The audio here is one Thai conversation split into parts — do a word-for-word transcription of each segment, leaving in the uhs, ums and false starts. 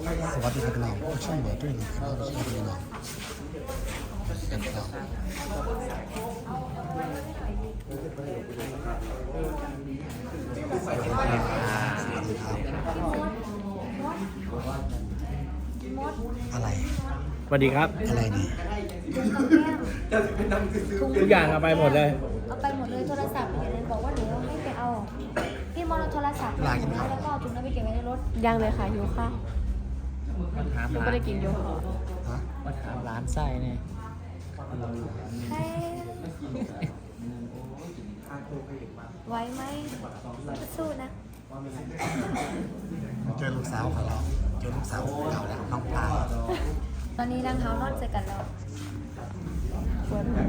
สวัสดีครับพี่น้องช่องเบอร์ด้วยนะครับสวัสดีพี่น้องกันครับสวัสดีครับสวัสดีครับอะไรสวัสดีครับอะไรนี่ทุกอย่างเอาไปหมดเลยเอาไปหมดเลยโทรศัพท์อย่างนั้นบอกว่าหนูให้ไปเอาพี่มอลโทรศัพท์แล้วก็เอาถุงนั้นไปเก็บไว้ในรถยังเลยค่ะหิวข้าวมาถามหนูร้าก็นได้กินอยู่ฮะมาถามร้านไส้เนี่ยให้ไหวไหมสู้นะเจอลูกสาวของเราเจอลูกสาวของเราแล้วน้องปลาตอนนี้นางเท้านอนเจอกันแล้วปวดหัว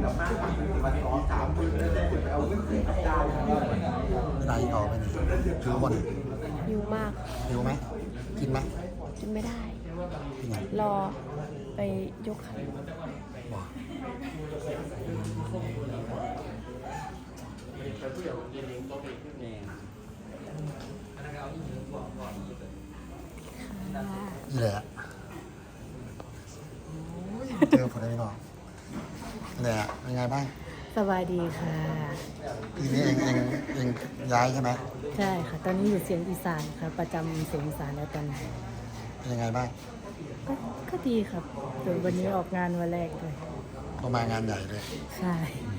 เวลาที่ออกไปนี่ถือวันหิวมากหิวไหมกินไหมกินไม่ได้กินไงรอไปยกขันบอก นี่แหละเจอผลได้ก่อนนี่แหละเป็นไงบ้างสบายดีค่ะปีนี้เองเองเองย้ายใช่ไหมใช่ค่ะ ตอนนี้อยู่เสียงอีสานค่ะ ประจำเสียงอีสานแล้วตอนนี้เป็นยังไงบ้างก็ก็ดีครับเดี๋ยววันนี้ออกงานวันแรกเลยก็มางานใหญ่เลยใช่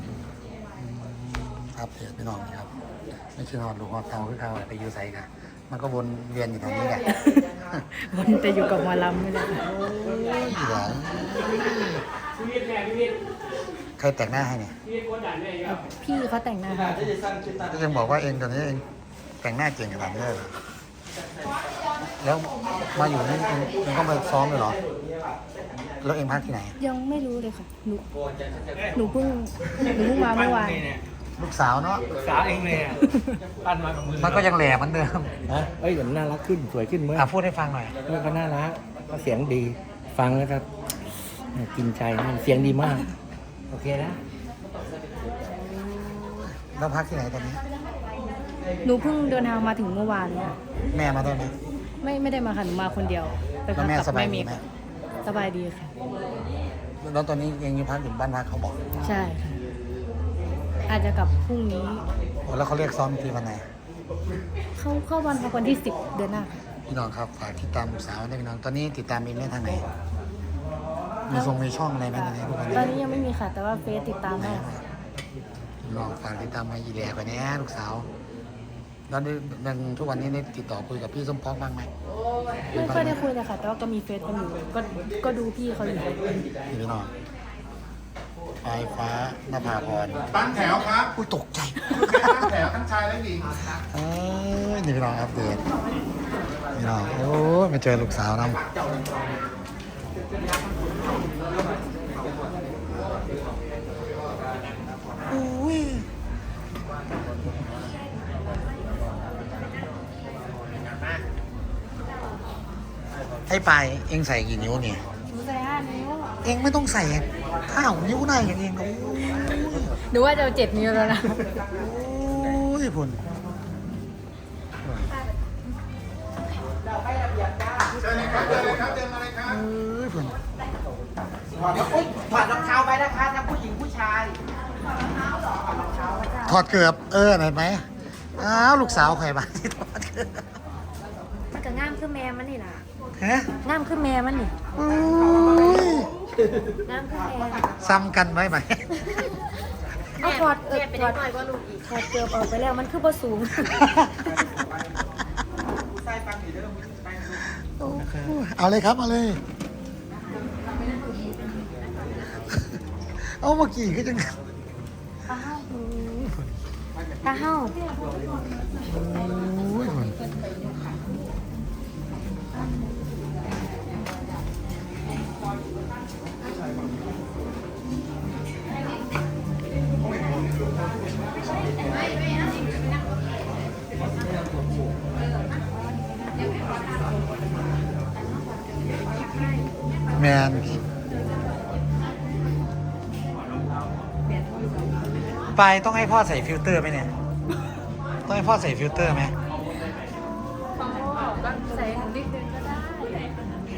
ครับเดี๋ยวพี่น้องครับไม่ใช่หอดลูกหอดเตาคือเขาไปยูไซกันมันก็วนเวียนอยู่ตรงนี้แหละวันจะอยู่กับหมอลำนี่แหละค่ะเหลือใครแต่งหน้าให้เนี่ยพี่เขาแต่งหน้าให้ก็ยังบอกว่าเองตอนนี้เองแต่งหน้าเก่งขนาดนี้เลยเหรอแล้วมาอยู่นี่เองเองก็มาซ้อมเลยเหรอแล้วเองพักที่ไหนยังไม่รู้เลยค่ะหนูหนูเพิ่งหนูเพิ่งมาเมื่อวานลูกสาวเนาะสาวเองเลยอ่ะปั้นมากับมือมันก็ยังแหลมเหมือนเดิมฮะเอ้ยเดี๋ยวน่ารักขึ้นสวยขึ้นเมื่ออ่ะพูดให้ฟังหน่อยเมื่อก็น่ารักก็เสียงดี ฟังแล้วก็กินใจมันเสียงดีมาก โอเคนะแล้วพักที่ไหนตอนนี้หนูเพิ่งเดินทางมาถึงเมื่อวานเนี่ยแม่มาด้วยไหมไม่ไม่ได้มาค่ะหนูมาคนเดียวไปแล้พัวกแม่กับสบายแม่ดีเมย์ไหมสบายดีค่ะแล้วตอนนี้เองอยู่พักอยู่บ้านพักเขาบอกใช่ค่ะ อาจจะกลับพรุ่งนี้โอ้แล้วเขาเรียกซ้อมทีวันไหนเข้าเข้าวันพักวันที่สิบเดือนหน้าค่ะพี่น้องครับฝากติดตามลูกสาวด้วยพี่น้องตอนนี้ติดตามเองได้ทางไหนมีทรงมีช่องอะไรไหมตอนนี้พวกตนี้อนนี้ยังไม่มีค่ะ แต่ว่าเฟซติดตามได้ค่ะพี่น้องฝากติดตามมาอีแหล่ไปเนี้ยลูกสาวแล้วได้ยังทุกวันนี้ได้ติดต่อคุยกับพี่ส้มพอกบ้างไหมไม่ค่อยได้คุยเลยค่ะ แต่ว่าก็มีเฟซกันอยู่ก็ก็ดูพี่เขาอยู่พี่น้องปลายฟ้านภาพรตั้งแถวครับอุ้ยตกใจตั้งแถวทั้งชายและหญิงเอ้ยนี่พี่น้องอัปเดตพี่น้องโอ้ยมาเจอลูกสาวน้ำอุ้ยไอ้ปลายเอ็งใส่กี่นิ้วเนี่ยหนูใส่ห้านิ้วเอ็งไม่ต้องใส่ข้าวนิ้วหน้าอย่างเองโอ้ยหนูว่าจะเอาเจ็ดนิ้วแล้วนะโอ้ยพุ่นเชิญเลยครับเชิญเลยครับเดินมาเลยครับเอ้ยพุ่นถอดแล้วอุ๊ยถอดรองเท้าไปนะคะทั้งผู้หญิงผู้ชายถอดเกือบเออเห็นไหมอ้าวลูกสาวใครบ้างที่ถอดเกือบมันก็ง่ามขึ้นแม่มันนี่ล่ะฮะง่ามขึ้นแม่มันนี่โอ้ยง่ามขึ้นแม่ซ้ำกันไหมไหมเอาถอดเออถอดถอดเกือบออกไปแล้วมันคือบ่สูงเอาเลยครับเอาเลย เอาเมื่อกี้ก็จังตาเฮาโอ้ยพุ่นแมนไปต้องให้พ่อใส่ฟิลเตอร์ไหมเนี่ย ต้องให้พ่อใส่ฟิลเตอร์ไหมใส่นิดนึงก็ได้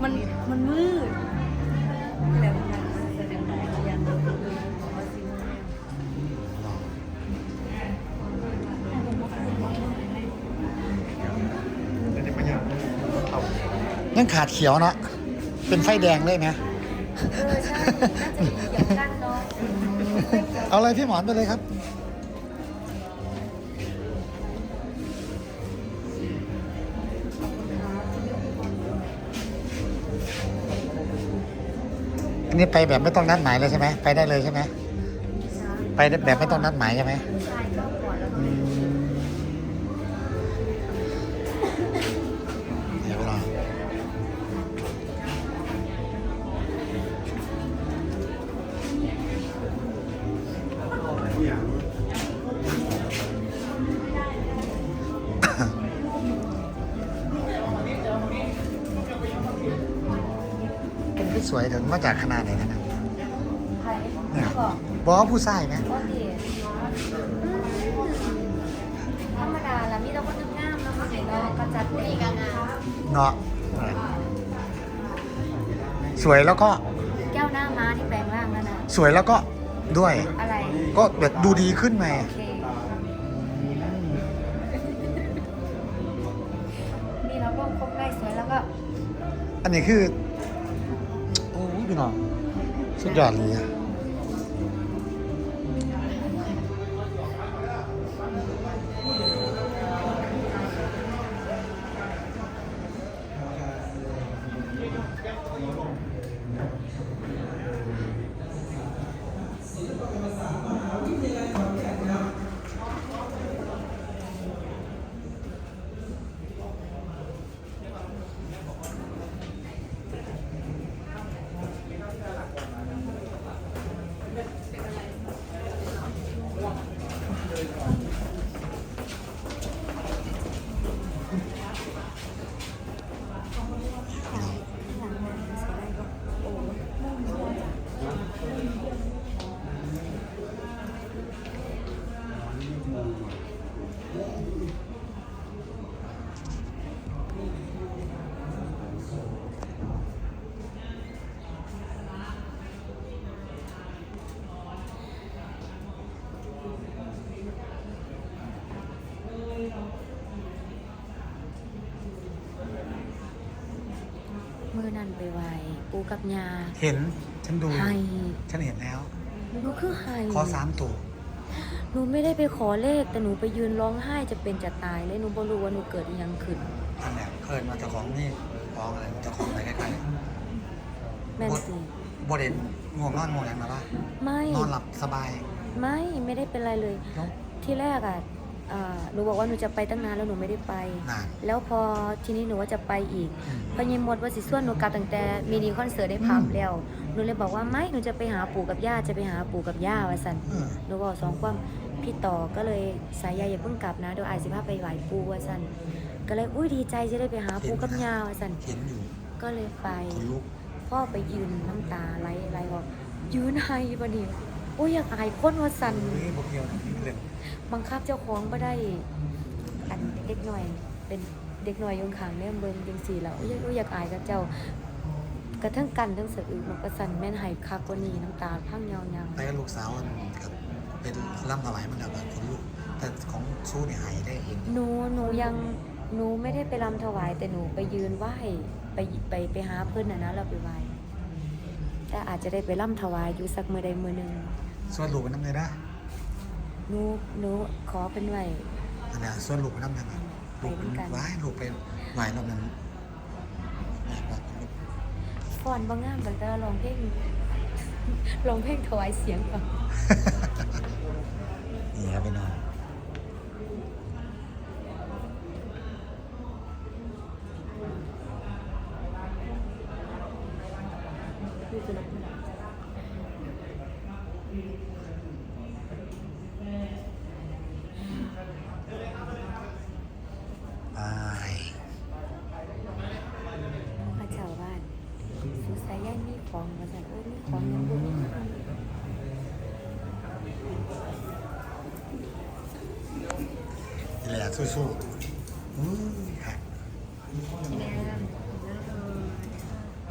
มันมันมืดยังขาดเขียวเนาะเป็นไฟแดงเลยนะเออใช่น่าจะมีเกี่ยวกันเนาะเอาเลยพี่หมอนไปเลยครับอันนี้ไปแบบไม่ต้องนัดหมายเลยใช่ไหมไปได้เลยใช่ไหมไปแบบไม่ต้องนัดหมายใช่ไหมใช่ก็ก่อนแล้วอืมเดี๋ยวไปรอ เป็นที่สวยถึงมาจากขนาดไหนนะนะใครเนี่ยบอกบอกว่าผู้ชายไหมว่าดีธรรมดาละมีแต่คนงามๆแล้วมันเห็นเรากระจัดตีกันนะเนาะสวยแล้วก็แก้วหน้าม้าที่แปลงร่างแล้วนะสวยแล้วก็ด้วยอะไรก็แบบดูดีขึ้นไหมโอเคนี่เราก็ครบได้สวยแล้วก็อันนี้คือ โอ้พี่น้องสุดยอดเลยอะมือนั่นไปไหวปูกับยาเห็น ฉันดูไฮฉันเห็นแล้วหนูคือไฮขอสามตัวหนูไม่ได้ไปขอเลขแต่หนูไปยืนร้องไห้จะเป็นจะตายเลยหนูบ่รู้ว่าหนูเกิดอิหยังขึ้นอันเนี้ยเคยมาเจ้าของนี่ของอะไรเจ้าของอะไรใกล้แม่นสิๆบดเด่นง่วงนอนง่วงอย่างมาปะไม่นอนหลับสบายไม่ไม่ได้เป็นไรเลยแล้วที่แรกอ่ะอ่าหนูบอกว่าหนูจะไปตั้งนานแล้วหนูไม่ได้ไปนานแล้วพอทีนี้หนูว่าจะไปอีกอืมพอยิมหมดว่าสิส่วนหนูกลับตั้งแต่มินิคอนเสิร์ตได้พับแล้วหนูเลยบอกว่าไม่หนูจะไปหาปู่กับย่าจะไปหาปู่กับย่าว่าสันเออหนูบอกสองความพี่ต่อก็เลยสายใยอย่าเพิ่งกลับนะเดี๋ยวอายสิพาไปไหว้ปู่ว่าสันก็เลยอุ้ยดีใจจะได้ไปหาปู่กับย่าว่าสันเห็นอยู่ก็เลยไปคนลุกพ่อไปยืนน้ำตาไหลไหลบอกยืนไห้ปะนี่โอ้ยอยากอายคนว่าสันเฮ้ยบอกเดียวเล่นบังคับเจ้าของไม่ได้อันเด็กหน่อยเป็นเด็กหน่อยอยงขางเนี่ยเบิ่งจังสี่แล้วโอ้ยโอ้ยอยากอายกับเจ้ากระทั่งกันทั้งสะอึกมันก็สั่นแม่นหายคักกว่านี้น้ำตาพังยาวไปกับลูกสาวมันกับเป็นร่ำถวายมันแล้วแบบคนลุกแต่ของสู้เนี่ยหายได้เห็นๆหนูหนูยังหนูไม่ได้ไปรำถวายแต่หนูไปยืนไหว้ไปไปไปหาเพื่อนนะนะเราไปไหว้แต่อาจจะได้ไปรำถวายอยู่สักมือใดมือหนึ่งส่วนลูกมันน้ำเลยนะหนูหนูขอเป็นไหวอันเนี้ยส่วนลูกมันน้ำเลยนะลูกมันไปด้วยกันไหว้ลูกไปไหว้รอบนั้นไหว้บอกลูกฟอนบางงามแต่ลองเพลงลองเพลงถวายเสียงก่อนนี่ครับพี่น้อง ไปพระเจ้าบ้านสุสายย่านมีของมาจากเอ้ยมีของยังบุญนี่แหละสู้ๆอือฮะแม่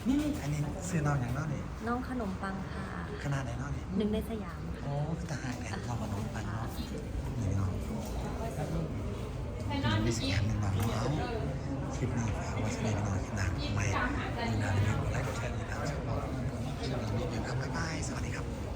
นี่อันนี้ซื้อน้องอย่างน้อยนี่น้องขนมปังค่ะขนาดไหนน้อยนี่หนึ่งในสยามโอ้ทหารแอนเราขนมปังเนาะนี่น้องมีสิ่งอย่างหนึ่งน้องเอาคลิปนี้ฝากไว้สำหรับน้องที่นางใหม่มีนางเรียนอะไรก็แค่นี้นะสำหรับช่วงนี้มีเพียงครับบ๊ายบายสวัสดีครับ